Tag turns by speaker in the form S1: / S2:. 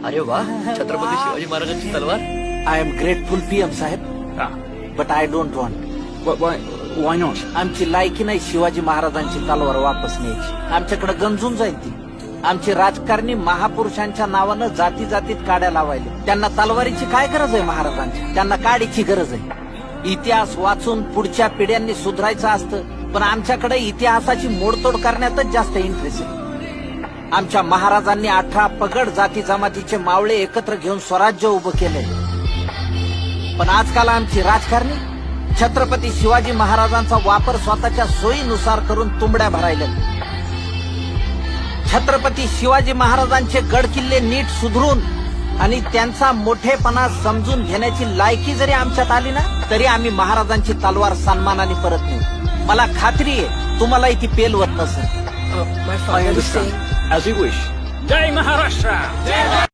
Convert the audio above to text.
S1: अरे वा, छत्रपती शिवाजी महाराजांची तलवार.
S2: आय एम ग्रेटफुल पीएम साहेब, but I don't want.
S3: Why not?
S2: आमची लायकी नाही शिवाजी महाराजांची तलवार वापस न्यायची. आमच्याकडे गंजून जाईल ती. आमची राजकारणी महापुरुषांच्या नावानं जाती जातीत काड्या लावायले. त्यांना तलवारीची काय गरज आहे महाराजांची? त्यांना काडीची गरज आहे. इतिहास वाचून पुढच्या पिढ्यांनी सुधारायचं असतं, पण आमच्याकडे इतिहासाची मोडतोड करण्यातच जास्त इंटरेस्ट आहे. आमच्या महाराजांनी 18 पगड जाती जमातीचे मावळे एकत्र घेऊन स्वराज्य उभं केलंय. पण आजकाल आमची राजकारणी छत्रपती शिवाजी महाराजांचा वापर स्वतःच्या सोयीनुसार करून तुंबड्या भरायला. छत्रपती शिवाजी महाराजांचे गड किल्ले नीट सुधरून आणि त्यांचा मोठेपणा समजून घेण्याची लायकी जरी आमच्यात आली ना, तरी आम्ही महाराजांची तलवार सन्मानाने परत नेऊ. मला खात्री आहे तुम्हालाही ती पेलवत नसेल.
S3: I understand. As you wish.
S4: Jai Maharashtra.